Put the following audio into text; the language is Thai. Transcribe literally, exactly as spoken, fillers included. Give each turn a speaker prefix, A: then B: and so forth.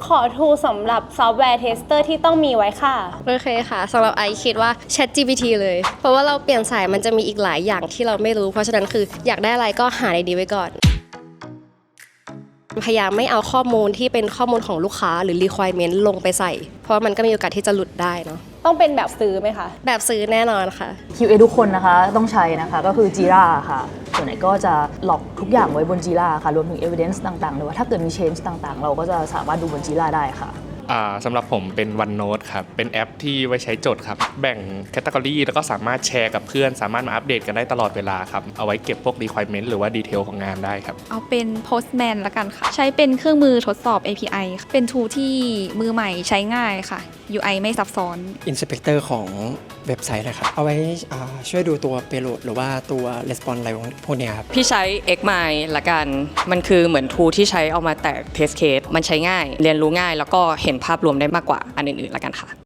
A: ขอทูสำหรับซอฟต์แวร์เทสเตอร์ที่ต้องมีไว้ค่ะ
B: โอเคค่ะสำหรับไอคิดว่า ChatGPT เลยเพราะว่าเราเปลี่ยนสายมันจะมีอีกหลายอย่างที่เราไม่รู้เพราะฉะนั้นคืออยากได้อะไรก็หาในดีไว้ก่อนพยายามไม่เอาข้อมูลที่เป็นข้อมูลของลูกค้าหรือ requirement ลงไปใส่เพราะมันก็มีโอกาสที่จะหลุดได้เนาะ
A: ต้องเป็นแบบซื้อไหมคะ
B: แบบซื้อแน่นอนค่ะ
C: คิว เอ ทุกคนนะคะต้องใช้นะคะก็คือ Jira ค่ะส่วนไหนก็จะล็อกทุกอย่างไว้บน Jira ค่ะรวมถึง evidence ต่างๆหรือว่าถ้าเกิดมี change ต่างๆเราก็จะสามารถดูบน Jira ได้ค่ะ
D: สำหรับผมเป็น OneNote ครับเป็นแอปที่ไว้ใช้จดครับแบ่งแคตตากรีแล้วก็สามารถแชร์กับเพื่อนสามารถมาอัปเดตกันได้ตลอดเวลาครับเอาไว้เก็บพวก requirement หรือว่าดีเทลของงานได้ครับ
E: เอาเป็น Postman ละกันค่ะใช้เป็นเครื่องมือทดสอบ เอ พี ไอ เป็น tool ที่มือใหม่ใช้ง่ายค่ะ ยู ไอ ไม่ซับซ้อน
F: Inspector ของเว็บไซต์นะครับเอาไว้ช่วยดูตัว payload หรือว่าตัว response อะไรพวกนี้ครับ
G: พี่ใช้ Xmind ละกันมันคือเหมือน tool ที่ใช้เอามาแตก test case มันใช้ง่ายเรียนรู้ง่ายแล้วก็เห็นภาพรวมได้มากกว่าอันอื่นๆละกันค่ะ